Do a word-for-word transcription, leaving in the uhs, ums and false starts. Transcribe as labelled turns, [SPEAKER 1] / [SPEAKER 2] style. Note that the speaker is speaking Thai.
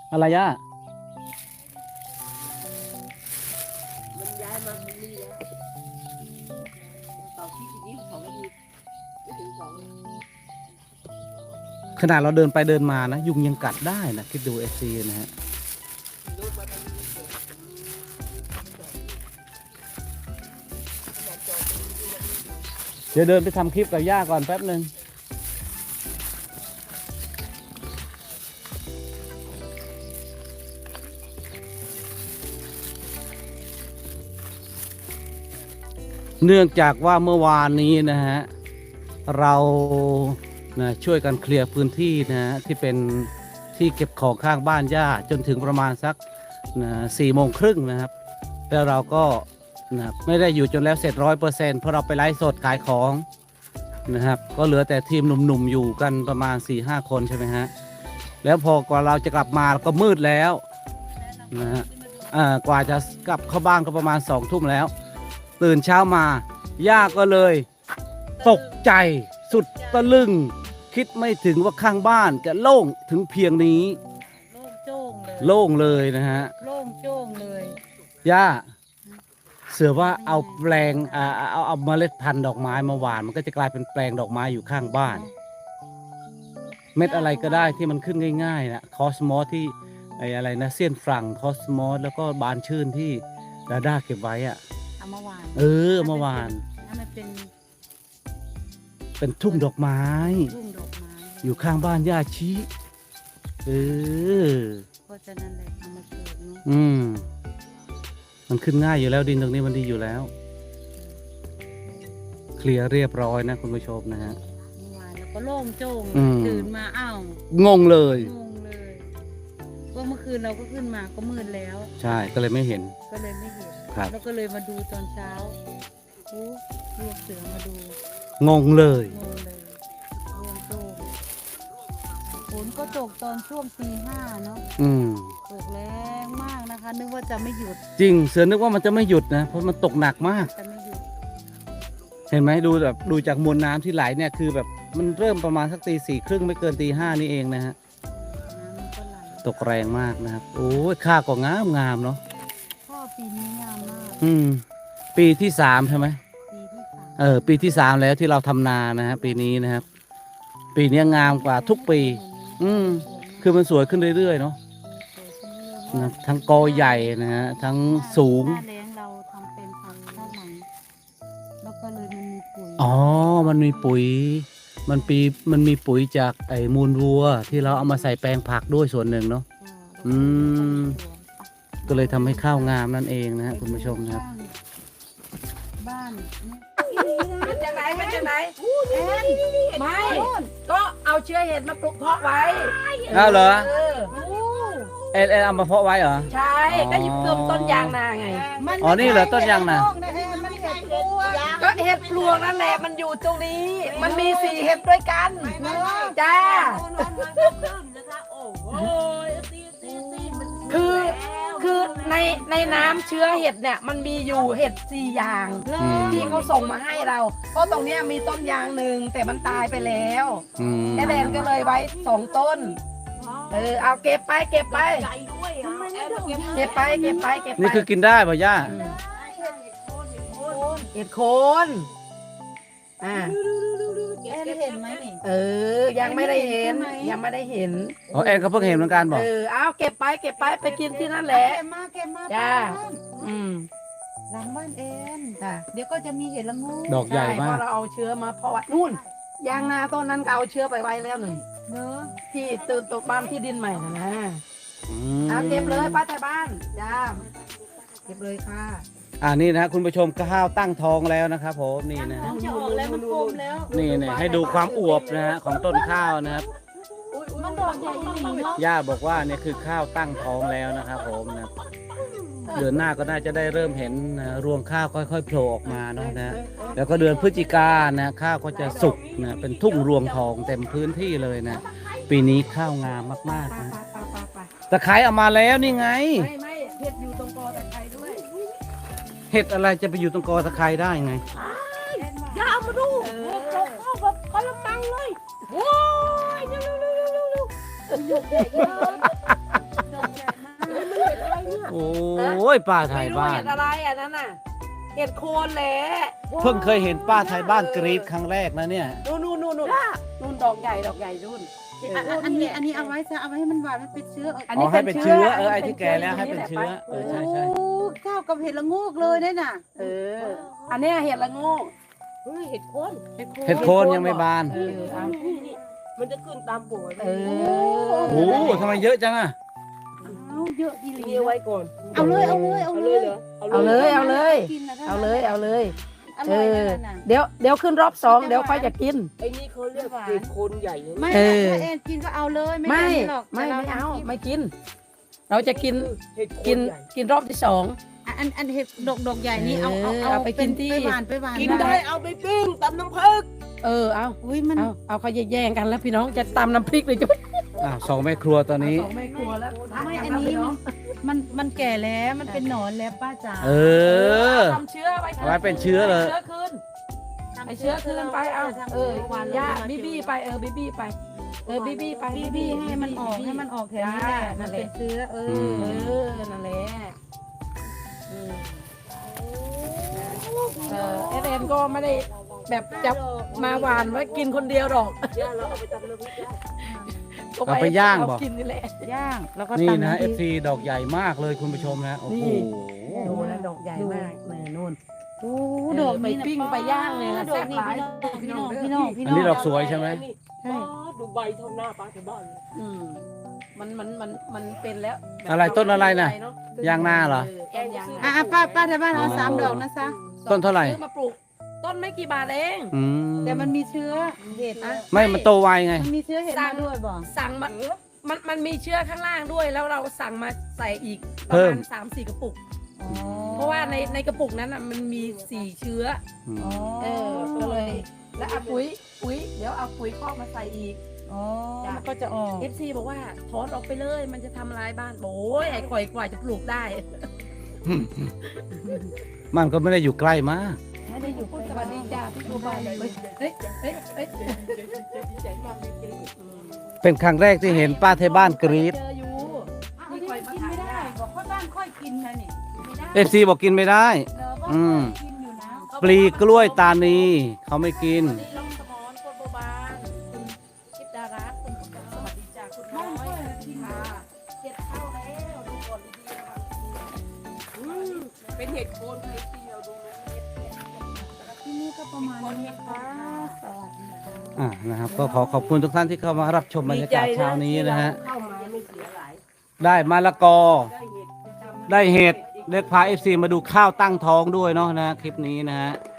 [SPEAKER 1] อะไรย่า
[SPEAKER 2] มันย้ายมาตรงนี้แล้วเสาที่ที่เขาไม่มีไม่ถึงสอง
[SPEAKER 1] ขนาดเราเดินไปเดินมานะยุงยังกัดได้นะคิดดูเอซีนะฮะเดี๋ยวเดินไปทำคลิปกับย่าก่อนแป๊บหนึ่งเนื่องจากว่าเมื่อวานนี้นะฮะเรานะช่วยกันเคลียร์พื้นที่นะฮะที่เป็นที่เก็บของข้างบ้านย่าจนถึงประมาณสักนะสี่โมงครึ่งนะครับแล้วเราก็นะไม่ได้อยู่จนแล้วเสร็จร้อยเปอร์เซ็นต์เพราะเราไปไลฟ์สดขายของนะครับก็เหลือแต่ทีมหนุ่มๆอยู่กันประมาณ สี่ห้า คนใช่ไหมฮะแล้วพอกว่าเราจะกลับมาก็มืดแล้วนะฮะอ่ากว่าจะกลับเข้าบ้านก็ประมาณสองทุ่มแล้วตื่นเช้ามาย่าก็เลยตกใจสุดตะลึงคิดไม่ถึงว่าข้างบ้านจะโล่งถึงเพียงนี้
[SPEAKER 3] โล่งโจ้งเลย
[SPEAKER 1] โล่งเลยนะฮะ
[SPEAKER 3] โล่งโจ้งเลย
[SPEAKER 1] ย่าเสือว่าเอาแปลงอ่าเอาเอาเมล็ดพันธุ์ดอกไม้มาหว่านมันก็จะกลายเป็นแปลงดอกไม้อยู่ข้างบ้าน เม็ดอะไรก็ได้ที่มันขึ้นง่ายๆนะคอสมอสที่ไอ้อะไรนะเซียนฝรั่งคอสมอสแล้วก็บานชื่นที่ดาด้าเก็บไว้อะ
[SPEAKER 3] เอามาวาน
[SPEAKER 1] เออเมื่อวาน
[SPEAKER 3] ให้มันเป็น
[SPEAKER 1] เป็นทุ่งดอกไม้
[SPEAKER 3] รุ่งดอกไม้
[SPEAKER 1] อยู่ข้างบ้านย่าชี้เออ
[SPEAKER 3] เพราะฉะนั้นเลยเอามาปลูกเนาะ
[SPEAKER 1] อืมมันขึ้นง่ายอยู่แล้วดินตรงนี้มันดีอยู่แล้ว เคลียร์เรียบร้อยนะคุณผู้ชมนะฮะ
[SPEAKER 3] เมื่อวานแล้วก็โล่งโจ้ง
[SPEAKER 1] อืม
[SPEAKER 3] ตื่นมาอ้าว
[SPEAKER 1] งงเลย
[SPEAKER 3] งงเลยว่าเมื่อคืนเราก็ขึ้นมาก็มืดแล้ว
[SPEAKER 1] ใช่ก็เลยไม่เห็น
[SPEAKER 3] ก็เลยไม่เห็น
[SPEAKER 1] ครับ
[SPEAKER 3] แล้วก็เลยมาดูตอนเช้าโอ้เรียกเสือมาดู
[SPEAKER 1] งงเลย
[SPEAKER 3] งงเลยโล่งโจ้งฝนก็ตกตอนช่วงตีห้าเนาะ
[SPEAKER 1] อืม
[SPEAKER 3] ตกแรงมากนะคะ นึกว่าจะไม่หยุด
[SPEAKER 1] จริงเสือนึกว่ามันจะไม่หยุดนะเพราะมันตกหนักมาก
[SPEAKER 3] จะไม่หยุด
[SPEAKER 1] เห็นไหมดูแบบดูจากมวลน้ำที่ไหลเนี่ยคือแบบมันเริ่มประมาณสักตีสี่ครึ่งไม่เกินตีห้านี่เองนะฮะ
[SPEAKER 3] น้ำมันก็ไหล
[SPEAKER 1] ตกแรงมากนะครับโอ้ยค่าก็งามงามเนาะ
[SPEAKER 3] พ่อปีนี้งามมาก
[SPEAKER 1] อืม ปีที่สามใช่ไหม
[SPEAKER 3] ปีที่สาม
[SPEAKER 1] เออปีที่สามแล้วที่เราทำนานะฮะปีนี้นะครับ ปีนี้งามกว่าทุกปี อืม คือมันสวยขึ้นเรื่อยๆเนาะนะทั้งกอใหญ่นะฮะทั้งสูง
[SPEAKER 3] หน้าแล้งเราทำเป็นพันธุ์ด้านหลังแล้วก็เลยมันมีปุ๋ย
[SPEAKER 1] อ๋อ มันมีปุ๋ย มันปีมันมีปุ๋ยจากไอ้มูลวัว ที่เราเอามาใส่แปลงผักด้วยส่วนหนึ่งเนาะ อืม ก็เลยทำให้ข้าวงามนั่นเองนะฮะคุณผู้ชมนะครับ
[SPEAKER 3] บ้าน
[SPEAKER 2] มันจะไหนมันจะไหนไม่ก็เอาเชื้อเห็ดมาปลูกเพาะไว้
[SPEAKER 1] อ้าวเหรอ
[SPEAKER 2] เออ
[SPEAKER 1] เอ็นเอ็นเอามาเพาะไว้เหรอ
[SPEAKER 2] ใช่ก็หยิบเติมต้นยางนาไง
[SPEAKER 1] อ๋อ นี่เหรอต้นยางนา
[SPEAKER 3] มันเห็ดปลวก
[SPEAKER 2] ก็เห็ดปลวกนั่นแหละมันอยู่ตรงนี้ มันมีสี่เห็ดด้วยกันจ้าคือคือในในน้ำเชื้อเห็ดเนี่ยมันมีอยู่เห็ดสี่อย่าง
[SPEAKER 1] อืม
[SPEAKER 2] ที่เขาส่งมาให้เราเพราะตรงเนี้ยมีต้นยางหนึ่งแต่มันตายไปแล้ว
[SPEAKER 1] อืม
[SPEAKER 2] แอดแดนก็เลยไว้สองต้นเออเอาเก็บไปเก็บไปเก็บไปเก็บไปเก็บไป
[SPEAKER 1] นี่คือกินได้ป่ะย่า
[SPEAKER 2] เห็ดโคนอ่า
[SPEAKER 3] เอ็นเห็นไหมนี่
[SPEAKER 2] เออ ยังไม่ได้เห็น ยังไม่ได้เห็น
[SPEAKER 1] อ๋อแอนก็เพิ่งเห็นเหมือนกันบ
[SPEAKER 2] เอ
[SPEAKER 1] อก
[SPEAKER 2] อ เอาเก็บไป เก็บไป ไปกินที่นั่นแหละ
[SPEAKER 3] เก็บมาเก็บมา
[SPEAKER 2] จ้า
[SPEAKER 3] บ้าน
[SPEAKER 2] อืม
[SPEAKER 3] หลังบ้านเอ็น
[SPEAKER 2] จ้า
[SPEAKER 3] เดี๋ยวก็จะมีเห็ดละงู
[SPEAKER 1] ดอกใหญ่มา
[SPEAKER 2] เพ
[SPEAKER 1] ก
[SPEAKER 2] ราะเราเอาเชื้อมาเพาะไว้นู่น ยางนาต้นนั้นก็เอาเชื้อไปไว้แล้วหนึ่ง
[SPEAKER 3] เนอะ
[SPEAKER 2] ที่ตื่นตกบ้านที่ดินใหม่นะนะ
[SPEAKER 1] อื
[SPEAKER 2] เอา
[SPEAKER 1] ม
[SPEAKER 2] เก็บเลยป้าไทยบ้าน จ้า เก็บเลยค่ะ
[SPEAKER 1] อ่านี่นะคุณผู้ชมข้าวตั้งท้องแล้วนะครับผมนี่นะ
[SPEAKER 3] มันจะออกแล้วมันกลมแล้ว
[SPEAKER 1] นี่นะให้ดูความอวบนะฮะของต้นข้าวนะครับ
[SPEAKER 3] มันดอกใหญ่จริงๆเนาะ
[SPEAKER 1] ย่าบอกว่าเนี่ยคือข้าวตั้งท้องแล้วนะครับผมนะเดือนหน้าก็น่าจะได้เริ่มเห็นนะรวงข้าวค่อยๆโผล่ออกมาเนาะนะแล้วก็เดือนพฤศจิกานะข้าวก็จะสุกนะเป็นทุ่งรวงทองเต็มพื้นที่เลยนะปีนี้ข้าวงามมากๆนะ
[SPEAKER 2] ไปไปไป
[SPEAKER 1] ตะไคร้เอามาแล้วนี่ไง
[SPEAKER 2] ไม่ไม่เห็ดอยู่ตรงกอตะไคร้ด้วย
[SPEAKER 1] เห็ดอะไรจะไปอยู่ตรงกอตะไคร้ได้ไง
[SPEAKER 2] อย่าเอามาดูโอ้โหเข้าแบบกระมังเลยโอ้ยเร็วเร็วเร็วเร็วเร็ว
[SPEAKER 3] ดอก
[SPEAKER 1] โอ้ยป้าไท
[SPEAKER 2] ไม่
[SPEAKER 1] ย
[SPEAKER 2] รู้
[SPEAKER 1] บ้า
[SPEAKER 2] เห็
[SPEAKER 1] น
[SPEAKER 2] ดอะไรอันนั้นน่ะเห็ดโคนแหละ
[SPEAKER 1] เพิ่งเคยเห็นป้าไทยบ้านกรีดครั้งแรกนะเนี่ย
[SPEAKER 2] นู่นนู่นนู่นนู่นนู่นดอกใหญ่ดอกใหญ่นู่น
[SPEAKER 3] อ่ะอ่ะอันนี้อันนี้เอาไว้ซะเอาไว้ให้มันหวานมันเป็นเชื้อเออ
[SPEAKER 2] อัน
[SPEAKER 1] อ๋
[SPEAKER 2] นี้
[SPEAKER 1] อให้เป็นเชื้อเออไอ้
[SPEAKER 2] ป็
[SPEAKER 1] ที่
[SPEAKER 2] น
[SPEAKER 1] แก่
[SPEAKER 2] ชื้
[SPEAKER 1] แล้วให้เป็นเชื้อเออใช่ใช่
[SPEAKER 3] โอ้เข้ากับเห็ดละโงกเลยเนี่ยน่ะ
[SPEAKER 2] เออ อันเนี้ยเห็ดละโงก
[SPEAKER 4] เฮ้ยเห็ดโคน
[SPEAKER 1] เห็ดโคนยังไม่บาน
[SPEAKER 2] เออเอา
[SPEAKER 4] นี่นี่มันจะขึ้นตามป่วย
[SPEAKER 2] เออ
[SPEAKER 1] โอ้โหทำไมเยอะจังอะ
[SPEAKER 3] เอาเยอะดีหลี
[SPEAKER 4] นี่เอาไว้ก่อน
[SPEAKER 3] เอาเลยเอาเลยเอา
[SPEAKER 4] เอา
[SPEAKER 3] เล
[SPEAKER 4] เลย
[SPEAKER 3] ย
[SPEAKER 4] เหรอ
[SPEAKER 2] เอาเลยเอาเลย
[SPEAKER 3] กินนะถ้
[SPEAKER 2] เอาเลยเอาเลย
[SPEAKER 3] อ
[SPEAKER 2] เอ
[SPEAKER 3] ร่อย
[SPEAKER 2] อ
[SPEAKER 3] นั่นน่ะ
[SPEAKER 2] เดี๋ยวเดี๋ยวขึ้นรอบสองเดี๋ยวค่อยจะกิน
[SPEAKER 4] ไอ้นี่เขาเรียกเห็ดโคนใหญ่นะ
[SPEAKER 3] ไม่
[SPEAKER 2] เออ
[SPEAKER 3] ถ้าแอนกินก็เอาเลยไม่
[SPEAKER 2] ไม่
[SPEAKER 3] เป็นหรอก
[SPEAKER 2] ไม่
[SPEAKER 3] แต่ร
[SPEAKER 2] ไม่เอา
[SPEAKER 3] ทำกิน
[SPEAKER 2] ไม่กิน เราจะกิน
[SPEAKER 4] เห็ดโค
[SPEAKER 2] กิน
[SPEAKER 4] นใหญ่
[SPEAKER 2] กินรอบที่สอง
[SPEAKER 3] อ่ะอันอันเห็ดดอกดอกใหญ่นี่เอาเอา
[SPEAKER 2] เออเอาไปกินที่
[SPEAKER 3] ไปหวานไปหวาน
[SPEAKER 4] กินได้เอาไปปิ้งตำน้ำผึ้ง
[SPEAKER 2] เออเอา
[SPEAKER 3] อุ้ยมัน
[SPEAKER 2] เอาเอาเขาแย่งกันแล้วพี่น้องจะตำน้ำพริกเลยจะ
[SPEAKER 1] อ่ะสองแม่ครัวตอนนี้
[SPEAKER 2] สองแม่ครัวแล้ว
[SPEAKER 3] ไม่อันนี้มันมันมันแก่แล้วมันเป็นหนอนแล้วป้าจ๋า
[SPEAKER 1] เออ
[SPEAKER 2] ทำเชื้อไว้
[SPEAKER 1] เอาไว้เป็นเชื้อเลย
[SPEAKER 2] เชื้อคืนไอเชื้อคืนไปเอาเออย่าบีบี้ไปเออบีบี้ไปเออบีบี้ไป
[SPEAKER 3] บีบีให้มันออกให้มันออกแถวนี้แหละมันเป็นเชื้อเออ
[SPEAKER 1] ม
[SPEAKER 2] เออนั่นแหละเออเออเอฟเอ็มก็ไม่ได้แบบจะมาหวานไว้กินคนเดียวหรอก
[SPEAKER 4] ย่าเราเอาไปตำน้ำพริกได้
[SPEAKER 1] เอาไปย่างบอก
[SPEAKER 2] เกินนี่แหละ
[SPEAKER 3] ย่างแล้วก็
[SPEAKER 1] นี่
[SPEAKER 3] ตำ
[SPEAKER 1] นะ
[SPEAKER 3] ำพ
[SPEAKER 1] เอ
[SPEAKER 3] ริ
[SPEAKER 1] ฟ
[SPEAKER 3] ก
[SPEAKER 1] ซีดอกใหญ่มากเลยคุณผู้ชมนะโอ้โห
[SPEAKER 2] นี่ ดูนะดอกใหญ่มากแม่นู่น
[SPEAKER 3] โอ้
[SPEAKER 2] เออ
[SPEAKER 3] ดอก
[SPEAKER 2] ไป
[SPEAKER 3] นี้นะ
[SPEAKER 2] ปิ้งไปย่างเลยนะ
[SPEAKER 3] ดอกนี้
[SPEAKER 2] แซ่บหลาย
[SPEAKER 3] พี่น้องพี่น้องพี่น้อง
[SPEAKER 1] อันนี้ดอกสวยใช่ไหม
[SPEAKER 3] ใช่
[SPEAKER 4] ดูใบเท่าหน้าป้าที่บ้านเลย
[SPEAKER 2] อืมมันมันมันมันเป็นแล้วแบบ
[SPEAKER 1] อะไรต้นอะไรน่ะ
[SPEAKER 2] เา
[SPEAKER 1] ย่างหน้าเหรอ
[SPEAKER 2] ต้นยางห
[SPEAKER 3] อ่ะ
[SPEAKER 2] น้า
[SPEAKER 3] อ่ะป้าป้าแถวบ้านเอาสามดอกนะซะ
[SPEAKER 1] ต้นเท่าไหร่
[SPEAKER 2] ซื้อมาปลูก ต้นไม่กี่บาทเอง
[SPEAKER 1] อืม
[SPEAKER 3] แต่มันมีเชื้อเห็ดนะ
[SPEAKER 1] ไม่มันโตไวไง
[SPEAKER 3] มันมีเชื้อเห็ดมาด้วยบ่
[SPEAKER 2] สั่งมามันมันมีเชื้อข้างล่างด้วย แล้วเราสั่งมาใส่อีกป
[SPEAKER 1] เพิ่
[SPEAKER 2] ระ
[SPEAKER 1] ม
[SPEAKER 2] มาณสามสี่กระปุก
[SPEAKER 3] อ๋อ
[SPEAKER 2] เพราะว่าในในกระปุกนั้นอ่ะมันมีสี่เชื้อ
[SPEAKER 1] อืม
[SPEAKER 3] อ๋อ
[SPEAKER 2] เออก็เลย แล้วเอาปุ๋ยปุ๋ยเดี๋ยวเอาปุ๋ยคอกมาใส่อีก
[SPEAKER 3] อ๋อมันก็จะออก
[SPEAKER 2] เอฟซีบอกว่าถอนออกไปเลย มันจะทำลายบ้านโอ้ยไอ้ข่อยกว่าจะปลูกได้
[SPEAKER 1] มันก็ไม่ได้อยู่ใกล้มาก
[SPEAKER 2] ไม่ได้อยู่สวัสดีจ้าพี่ตัวใบเฮ้ยเฮ้ยเฮ้ยเฮ้ย
[SPEAKER 4] ดีใจมากจริง
[SPEAKER 1] เป็นครั้งแรกที่เห็นป้าไทยบ้านกรีด
[SPEAKER 2] เจออยู่
[SPEAKER 3] อ้าวนี่กินไม่ได้บอกค่อยบ้านค่อยกินนะนี่ไม่ได้
[SPEAKER 1] เอฟซีบอกกินไม่ได้
[SPEAKER 3] เออว่า
[SPEAKER 1] อืม
[SPEAKER 3] กินอยู่นะ
[SPEAKER 1] ปลีกล้วยตานีเขาไม่กิน
[SPEAKER 2] วันนี้ลงสมอนคนโบบานคุณชิดดารัตน์คุณสวัสดีจ้าคุณน้อยค่ะเจ็ดเข้าแล้วดูก่อนดีๆนะคะ
[SPEAKER 4] ๆอืมเป็นเห็ดโคนเห็ดที่เราดูนะเห็ดเห็ด
[SPEAKER 3] ที่นี่ก็ประมาณนี้นะคะสวัสดีค่ะ
[SPEAKER 1] อ่านะครับ ก็ขอขอบคุณทุกท่านที่เข้ามารับชมบรรยากาศเช้านี้นะฮะ
[SPEAKER 4] เข้ามาไม่เสียหลาย
[SPEAKER 1] ได้มะละกอ
[SPEAKER 4] ได้เห็ดไปทำ
[SPEAKER 1] ได้เห็ดเล็กพาเอฟซีมาดูข้าวตั้งท้องด้วยเนาะนะคลิปนี้นะฮะ